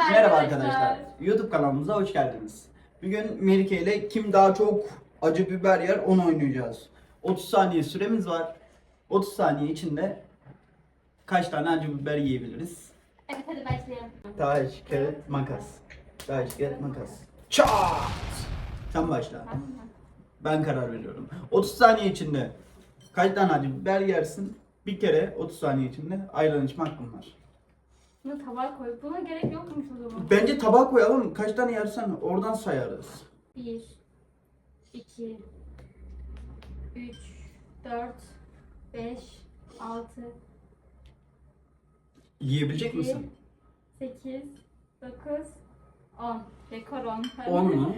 Merhaba arkadaşlar. YouTube kanalımıza hoş geldiniz. Bugün Melike ile kim daha çok acı biber yer onu oynayacağız. 30 saniye süremiz var. 30 saniye içinde kaç tane acı biber yiyebiliriz? Evet, hadi başlayalım. Taş, kağıt, makas. Taş, kağıt, makas. Çat! Sen başla. Tamam mı? Ben karar veriyorum. 30 saniye içinde kaç tane acı biber yersin? Bir kere 30 saniye içinde ayran içme hakkın var. Bunu tabağa koy. Buna gerek yokmuş o zaman. Bence tabağa koyalım. Kaç tane yersen oradan sayarız. 1, 2, 3, 4, 5, 6, Yiyebilecek 7, misin? 8, 9, 10. Rekor 10. 10 mu?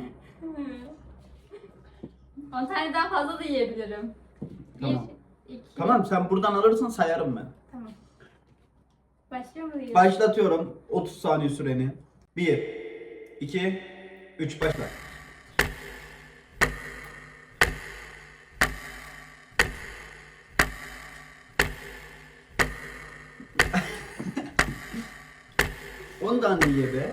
10 tane daha fazla da yiyebilirim. Tamam. 1, 2, Tamam, sen buradan alırsan sayarım ben. Tamam. Başlıyor muyuz? Başlatıyorum 30 saniye süreni. 1, 2, 3 başla. On tane ye be.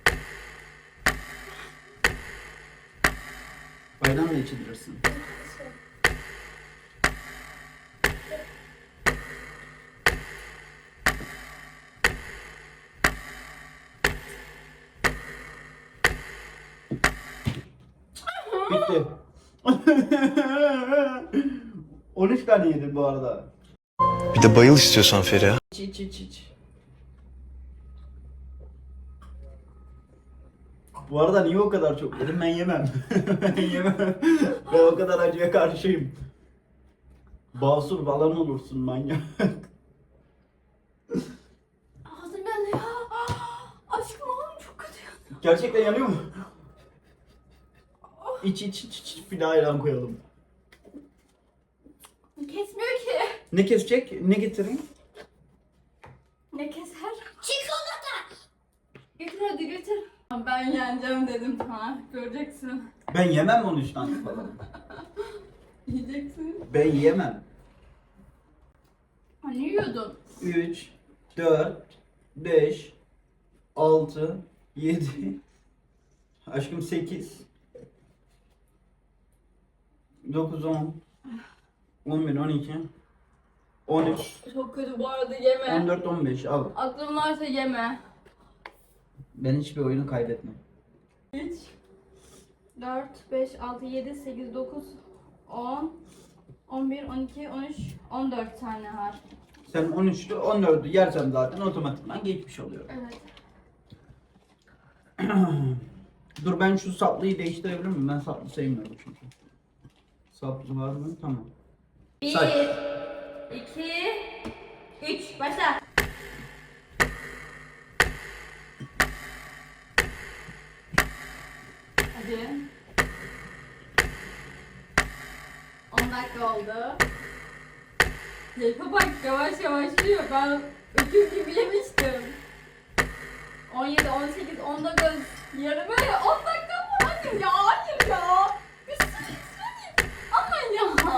Bayramla içilirsin. Bitti. 13 tane yedim bu arada. Bir de bayıl istiyorsan Feriha. İç. Bu arada niye o kadar çok yedim? Ben yemem. Ben yemem. Ben o kadar acıya karşıyım. Basur falan olursun manyak. Ağzım yanıyor. Aşkım oğlum çok kötü yanıyor. Gerçekten yanıyor mu? İç. Bir daha ayran koyalım. Kesmiyor ki. Ne kesecek? Ne getireyim? Ne keser? Çikolata. Getir hadi getir. Ben yeneceğim dedim sana. Göreceksin. Ben yemem 13 tane falan. Yiyeceksin. Ben yiyemem. Hani yiyordun? 3, 4, 5, 6, 7, aşkım 8, 9, 10, 11, 12, 13, Çok kötü bu arada yeme. 14, 15 al. Aklın varsa yeme. Ben hiçbir oyunu kaybetmem. 3, 4, 5, 6, 7, 8, 9, 10, 11, 12, 13, 14 tane var. Sen 13'lü 14'ü yersen zaten otomatikman geçmiş oluyor. Evet. Dur ben şu saplıyı değiştirebilir miyim? Ben saplı sevmiyorum çünkü. Saplı var mı? Tamam. 1, Say. 2, 3. Başla. Hadi. 10 dakika oldu. Zeyfe bak yavaş yavaş yiyor. Ben öküz gibi yemiştim. 17, 18, 19, yarım böyle 10 dakika mı? Annem ya hayır ya. Bir sürü içmedim. Ama ya.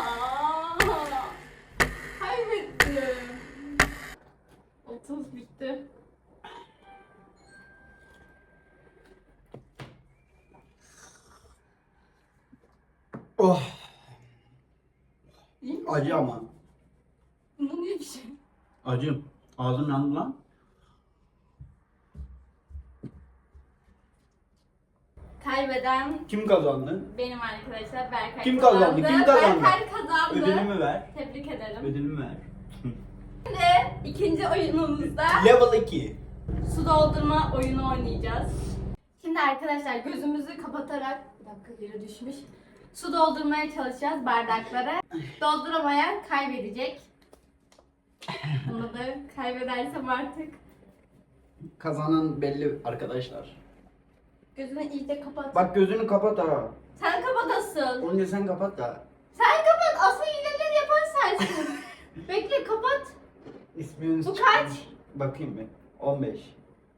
Kaybettim. 30 bitti. Oh, İyi mi? acı ama. Bu niye bir şey? Acı. Ağzım yandı lan. Kaybeden Kim kazandı? benim arkadaşlar Berkay Kim kazandı? Kim kazandı? Berkay kazandı. Ödülümü ver. Tebrik ederim. Ödülümü ver. Şimdi ikinci oyunumuzda Level 2. su doldurma oyunu oynayacağız. Şimdi arkadaşlar gözümüzü kapatarak bir dakika yere düşmüş. Su doldurmaya çalışacağız bardaklara. Dolduramayan kaybedecek. Bunu da kaybedersem artık. Kazanan belli arkadaşlar. Gözünü iyice kapat. Bak gözünü kapat ha. Sen kapat asıl. Önce sen kapat da. Sen kapat. Asıl hileleri yapan sensin. Bekle kapat. İsminiz Bu çıkmış. kaç? Bakayım bir. 15.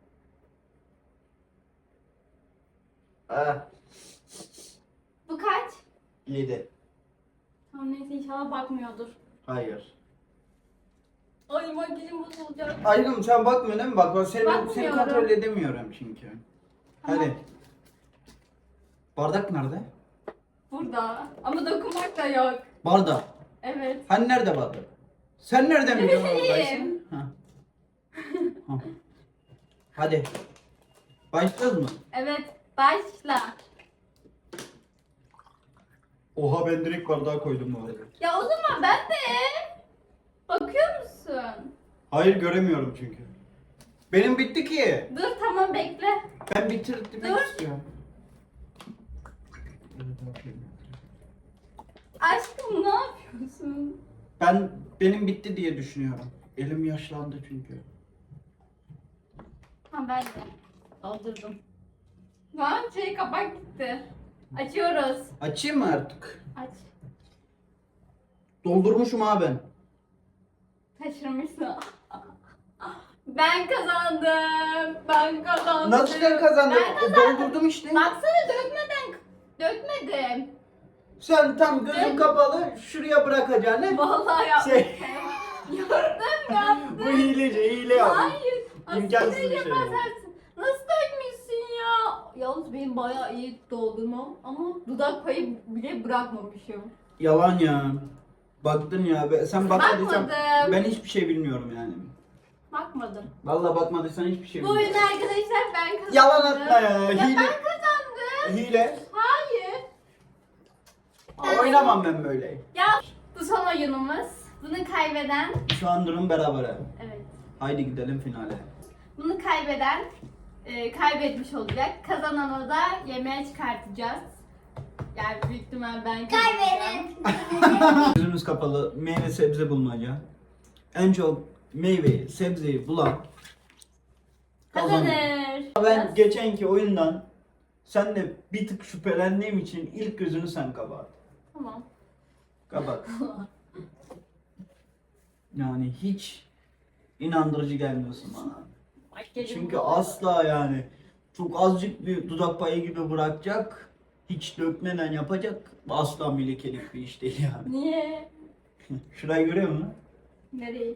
Ah, Bu kaç? 7. Tamam neyse inşallah bakmıyordur. Hayır. Ay makyajım bozulacak. Aşkım sen bakmıyorsun değil mi? Bak seni Bakmıyorum. kontrol edemiyorum çünkü. Tamam. Hadi. Bardak nerede? Burada. Ama dokunmak da yok. Bardak. Evet. Hani nerede bardak? Sen nereden biliyorsun bileyim. oradaysın? Ha. Ha. Hadi. Başladın mı? Evet. Başla. Oha ben direkt bardağa koydum bu arada. Ya o zaman ben de. Bakıyor musun? Hayır göremiyorum çünkü. Benim bitti ki. Dur tamam bekle. Ben bitirmek Dur. istiyorum. Aşkım ne yapıyorsun? Benim bitti diye düşünüyorum. Elim yaşlandı çünkü. Ha ben de. Doldurdum. Lan kapak gitti. Açıyoruz. Açayım mı artık? Aç. Doldurmuşum ha ben. Taşırmışsın. Ben kazandım. Ben kazandım. Nasıl sen kazandın? Ben kazandım. Doldurdum işte. Baksana dökmedim. Sen tam gözün Ben- kapalı şuraya bırakacaksın. Vallahi yaptım. Şey, Yaptım. bu hile yapmış. Hayır. İmkansız Aslında bir şey. yaparsın. Nasıl dökmüşsün ya? Yalnız benim bayağı iyi doldurmam ama dudak payı bile bırakmamışım. Yalan ya. Baktın ya. Sen bakmadıysan Bakmadım. ben hiçbir şey bilmiyorum yani. Bakmadım. Vallahi bakmadıysan hiçbir şey Bu bilmiyorum. oyunu arkadaşlar ben kazandım. Yalan atma ya. Ya Hile. ben kazandım. Hile. Hayır. Oynamam ben böyle. Ya bu son oyunumuz. Bunu kaybeden, Şu an durum berabere. evet. Haydi gidelim finale. Bunu kaybeden kaybetmiş olacak. Kazananı da yemeğe çıkartacağız. Yani büyük ihtimal ben kazanacağım. Gözümüz kapalı meyve sebze bulmaca. En çok meyveyi, sebzeyi bulan kazanıyor. Kazanır. Ben geçenki oyundan sen de bir tık şüphelendiğim için ilk gözünü sen kapat. Tamam. Kapat. Yani hiç inandırıcı gelmiyorsun bana. Makyajım Çünkü bu. asla yani çok azıcık bir dudak payı gibi bırakacak, hiç dökmeden yapacak. Asla millekelik bir iş değil yani. Niye? Şurayı görüyor musun? Nereye?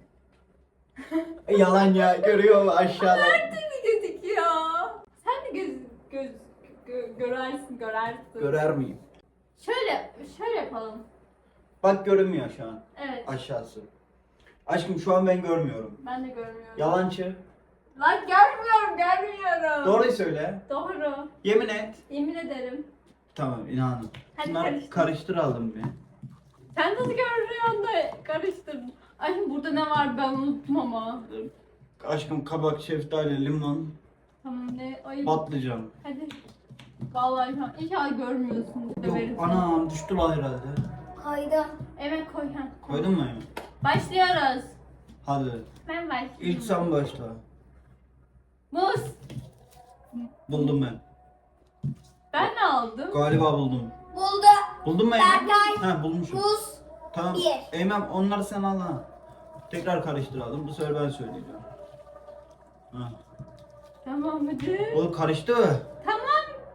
Yalan ya, görüyor mu aşağıda? Nerede mi gözüküyor? Sen de görersin. Görer miyim? Şöyle yapalım. Bak görünmüyor şu an Evet. aşağısı. Aşkım şu an ben görmüyorum. Ben de görmüyorum. Yalancı. Lan görmüyorum. Doğruyu söyle. Doğru. Yemin et. Yemin ederim. Tamam inanın. Hadi Bunları karıştır. karıştıralım bir. Sen nasıl görüyorsun da karıştırdın. Ay burada ne var ben unuttum ama. Aşkım kabak, şeftali, limon, Tamam ne? Ay patlıcan. hadi. Vallahi şu an inşallah görmüyorsun. Yok Döveriz. anam düştü lan herhalde. Koydum. Evet koy. Ha. Koydun mu Emin? Başlıyoruz. Hadi. Ben başlıyorum. İlk sen başla. Muz. Buldum ben. Ben ne aldım? Galiba buldum. Buldu. Buldun mu Eymen? Berkay. Ha bulmuşum. Muz. Tamam. Bir. Eymen onları sen al ha. Tekrar karıştıralım. Bu sefer ben söyleyeceğim. Ha. Tamam hadi. O karıştı. Tamam.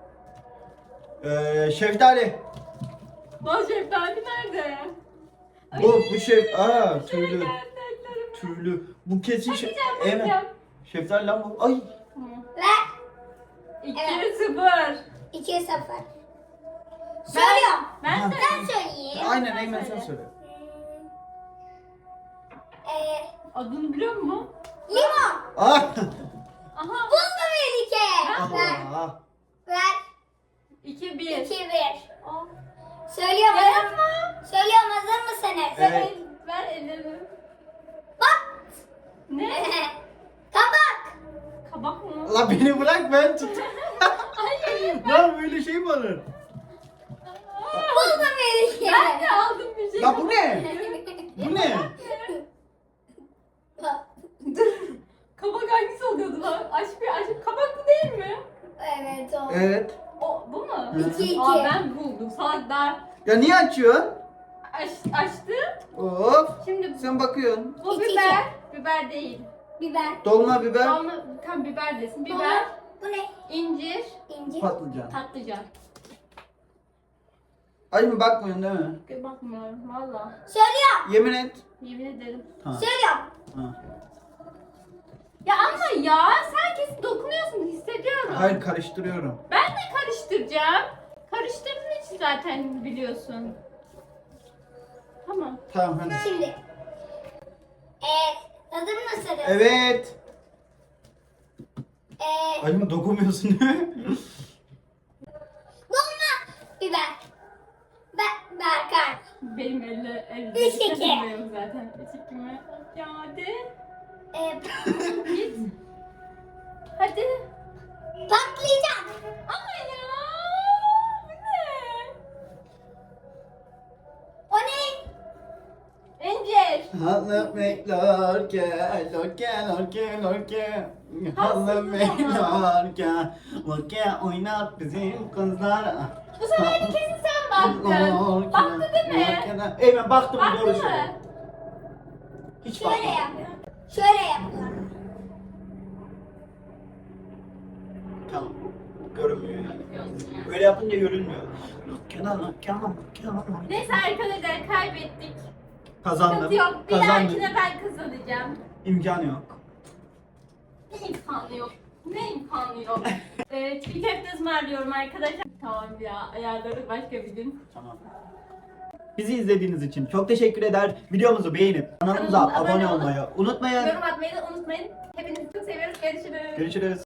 Şeftali. Lan şeftali nerede? Bu aa Şöyle tüylü. geldi ellerim. Tüylü. Bu kesin Eymen. Bakacağım. Şeftali lan bu. Ay. Tamam. Ve 2-0. 2-0. Söylüyorum. Ben Ha. Ben söyleyeyim. Aynen sen Eymen sen söyle. söyle. Adını biliyor musun? Limon. Ah. Aha. Buldu Melike. Ver. Allah. Ver. 2-1. 2-1. Aa. Söylüyorum. Ya Hazır yapma. Söylüyorum, hazır mısınız? Evet. Ver ellerimi. Bak. Ne? Kabak. Kabak mı? Allah beni bırak ben tut. Hayır. Lan böyle şey mi olur? Buldu Melike. Ben de aldım bir şey. Ya bu ne? Bu ne? Dur. Kabak hangisi oluyordu lan? Aşk kabak bu değil mi? Evet o. Evet. O bu mu? Hı. 2-2. Aa ben buldum. Salak daha Ya niye açıyorsun? açtı. Of. Şimdi Sen bakıyorsun. bu İki, biber. Biber değil. Biber. Dolma biber, Ama tam biber desin. Biber, Bu ne? incir, İnci. patlıcan. patlıcan. Aşkım bakmıyorsun değil mi? Bakmıyorum valla. Söylüyorum. Yemin et. Yemin ederim. Ha. Söylüyorum. Ha. Ya ama ya sen kesin dokunuyorsun hissediyorum. Hayır karıştırıyorum. Ben de karıştıracağım. Karıştırdığın için zaten biliyorsun. Tamam. Tamam hadi. Şimdi. Hazır mısınız? Evet. Aşkım dokunmuyorsun değil mi? Dolma biber. Berkay. Benim elde 3-2. takılmıyorum zaten. 3-2 mi? Ya hadi. Git. Hadi. Patlayacak. Ama ya. Bu ne? O ne? İncir. Halı beklerken, lorke. Halı beklerken, lorke oynat bizim kızlar. Bu sefer de kesin sen baktın. Baktı değil mi? Evet baktım Baktı doğru mı? söylüyor. Hiç Şöyle bakmadım. yapıyorum. Şöyle yapıyorum. Tamam. Görünmüyor yani. Böyle yapınca görünmüyor. Kenan. Neyse arkadaşlar kaybettik. Kazandım. Sıkıntı yok. Bir Kazandım. dahakine ben kazanacağım. İmkanı yok. Ne imkanı yok? Ne imkanı yok? Çiğ köfte ısmarlıyorum arkadaşlar. Tamam ya ayarları başka bir gün. Tamam. Bizi izlediğiniz için çok teşekkür eder. Videomuzu beğenip kanalımıza Kanalımıza abone abone olmayı unutmayın. Yorum atmayı da unutmayın. Hepinizi çok seviyoruz. Görüşürüz. Görüşürüz.